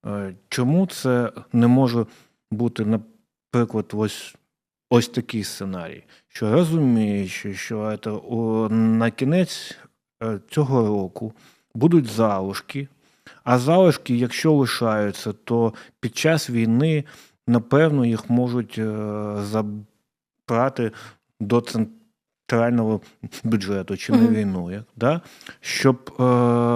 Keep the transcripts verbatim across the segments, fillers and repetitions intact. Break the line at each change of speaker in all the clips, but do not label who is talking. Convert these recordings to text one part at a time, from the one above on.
Е, Чому це не може бути, наприклад, ось, ось такий сценарій, що розуміючи, що це, о, на кінець е, цього року будуть залишки, а залишки, якщо лишаються, то під час війни, напевно, їх можуть е, забрати до центрального бюджету чи на
Мгм.
війну, як, да? Щоб е,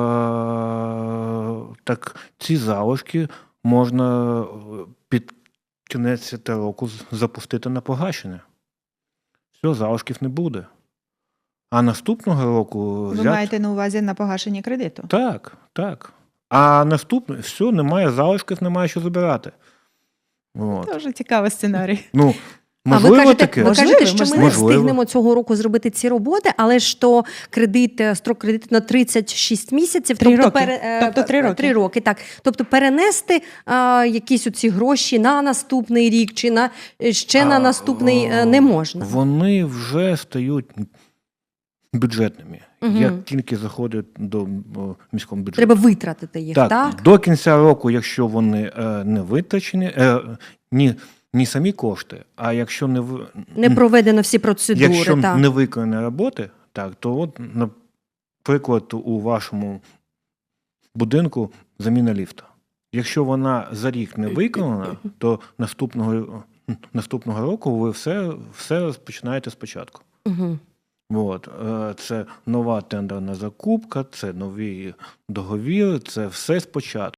так ці залишки можна е, під кінець цього року з- запустити на погашення. Все, залишків не буде. А наступного року
Ви
взяти.
маєте на увазі на погашення кредиту?
Так, так. А наступне, все, немає залишків, немає що забирати. От.
Дуже цікавий сценарій.
Ну,
А ви
можливо,
кажете,
таке.
ви
Можливо,
кажете, що ми не
можливо.
встигнемо цього року зробити ці роботи, але ж то кредит, е, строк кредиту на тридцять шість місяців,
Три
тобто,
роки.
е,
Тобто три роки.
три роки, так. Тобто перенести е, якісь оці гроші на наступний рік чи на е, ще на
А,
наступний е, не можна.
Вони вже стають бюджетними.
Мгм.
Як тільки заходять до о, міського бюджету.
Треба витратити їх, так?
Так, до кінця року, якщо вони е, не витрачені, е, ні, ні самі кошти, а якщо не, ви-
Не проведено всі процедури,
якщо
так.
не виконані роботи, так, то от, наприклад, у вашому будинку заміна ліфта. Якщо вона за рік не виконана, то наступного, наступного року ви все, все розпочинаєте спочатку.
Угу.
От, е, це нова тендерна закупка, це нові договіри, це все спочатку.